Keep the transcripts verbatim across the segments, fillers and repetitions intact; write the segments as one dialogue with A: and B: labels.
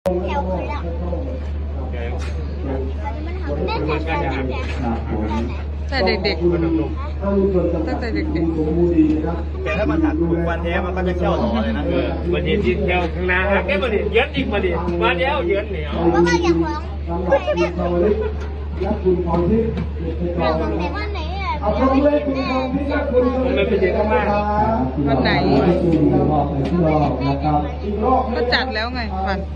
A: แถวคนละแม่แถวกันแต่เด็กๆตั้งแต่เด็กๆ
B: แต่ถ้ามันถักฝึกวันแท้มันก็จะเชี่ยวต่อเลยนะเออวันนี้ที่เที่ยวข้างหน้าแค่มาดิเยือนอีกมาดิมาเดียวเยือนเหนียว
A: ก็มาอย่างของใครเนี่ยเราต้องแต่ว่าไหนอ่ะ
B: มันเป็นเด็กมาก
C: วันไหนก็จัดแล้วไงฟัน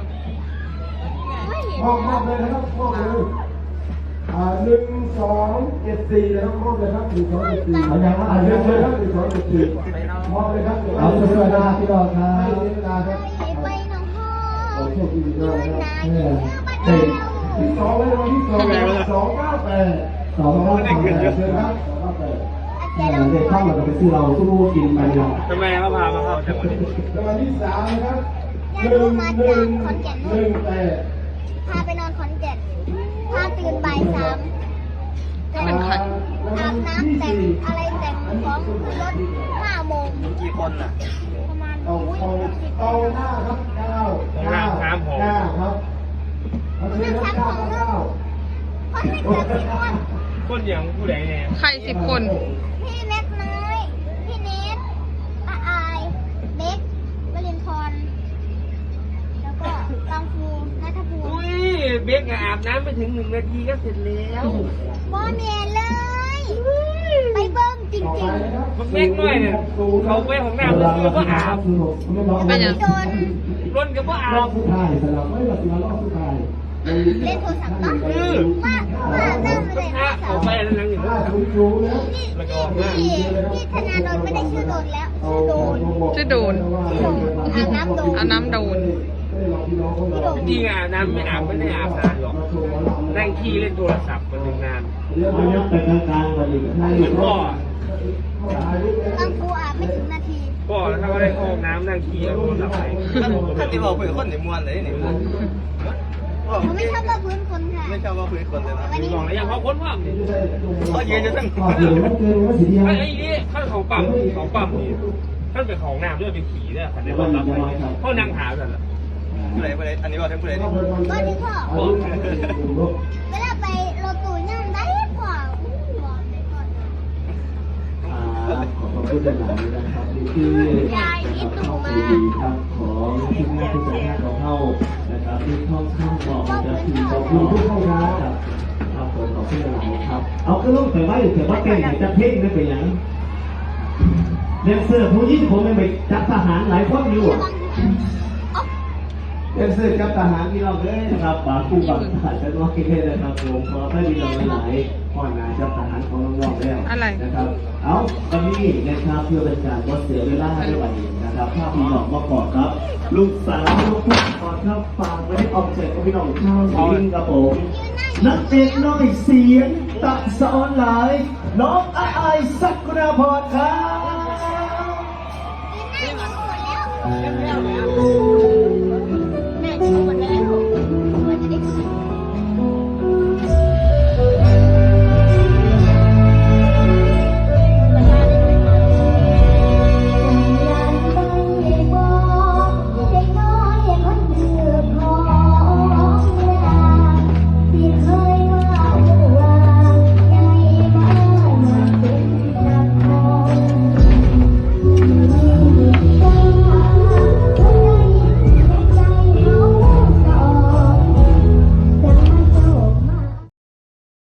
D: มอบมอบเลยนะครับมอบเลยอ่าหนึ่งสองเจ็ดสี่นะครับมอบเลยครับหนึ่งสองเจ็ดสี่เอาอย่างละอันเลยครับหนึ่งสองเจ็ดสี่มอบเลยครับเอาเสื้อหน้าพี่ดอกครับให้เวลาครับ
A: ไปน้องพ่อ
D: โอ้โชคดีด้วยนะครับเนี่ยเด็กที่สองเลยวันที่สองสองเก้าแปดสองเก้าแปดเชิญครับสองเก้าแปดเด็กเข้ามาจะไปซื้อเราตู้กินไปเรา
B: ทำไมเขาพามาเข้าแต่วันนี้
D: วันที่สามนะครับหนึ่งหนึ่งหนึ่งแปด
A: พาไปนอนขอนแก่นพาตื่นบ่ายสาม
C: เป็นใคร
A: อาบน้ำแต่งอะไรแต่งของขึ้นรถห้าโมง
B: กี่คนน่ะ
A: ประมาณ
D: เอาเอาเอาหน้าครับเก้าเก้าเก้าครับเอาเชิญครับเก้าเก้า
A: คนไม่เกินสิบคน
B: คนอย่างผู้ใดเนี่ย
C: ใครสิบคน
A: พี่เล็กน้อยพี่เนทป้าอายเล็กวลินทรแล้วก็กังฟูนัทภูมิ
B: อุ้ยเบกอาบน้ำไปถึงหนึ่งนาทีก็เสร็จแล้ว
A: บอเมียเลยไปเบิ้งจริงๆ
B: มันเบกน้อยเนี่ยเขาไปของน้ำแล้วคือว่าอาบ
A: เป็นยังโดน
B: ร่นกับว่าอาบ
D: สุดท้ายสำหรับไม่แบบรอบสุดท้าย
A: เล่นโทรศัพท์ต้องว่าว่าตั้งเลยนะ
B: เขาไปแล้วนั่งอยู่
A: นี่นี่นี่ธนาโดนไม่ได้ชื่อโดนแล้วชื่อโดน
C: ชื่อโดน
A: อาบน้ำโดน
C: อาน้ำโดน
B: จริงอ่ะน้ำไม่อาบไม่ได้อาบนานหรอกนั่งขี้เล่นโทรศัพท์มันถึงนานพ่อ
A: กังฟูอาบไม่ถึงนาที
B: พ่อถ้าว่าได้ห้องน้ำนั่งขี้เอาโทรศัพท์ไปท่านที่บอกคุยกับคนในมวลเลยนี่
A: ผมไม่ชอบว่าพื้นคนค่ะ
B: ไม่ชอบว่าคุยคนเลยนะวันนี้บอกแล้วยังเขาค้นว่าเขาเย็นจะตั้งไอ้นี่ข้างของปั๊มของปั๊มนี่ท่านเป็นของน้ำด้วยเป็นขี่ด้วยขันในรถรับไปเขานั่งหากันเหรอผู้ใดผู้ใดอันนี้บอกทั้งผู้ใดนี่
A: ก็ที่พ่อเวลาไปรถตู้นั่งได้พ่อ
D: ขอบคุณหลายนะครับนี่คือยายที่ตู่มาครับของทีมงานผู้จัดการของเขานะครับที่ท่องข้ามบอกจะคือขอบคุณทุกท่านครับครับผมขอบคุณหลายครับเอาขึ้นลงแต่ว่าแต่ว่าเก่งจะเพ่งไม่เป็นอย่างเด็กเสื้อผู้หญิงผมไม่ไปจับทหารหลายคนอยู่เด็กเสื้อจับทหารที่เราเลยนะครับป่าคู่บังขาดกันว่าคิดเลยนะครับผมขอให้ดีเราหลายพ่อนายจับทหารของน้องๆแล้วนะครับเอาวันนี้นะครับเพื่อเป็นการลดเสียเวลาด้วยนะครับภาพพี่น้องมาก่อนครับลูกสาวลูกผู้ก่อนครับฝากไว้ให้ออกเสร็จกับพี่น้องข้าวสิงครับผมนักเอกน้อยเสียงตัดสอนหลายน้องอาไอศักดาพรครับ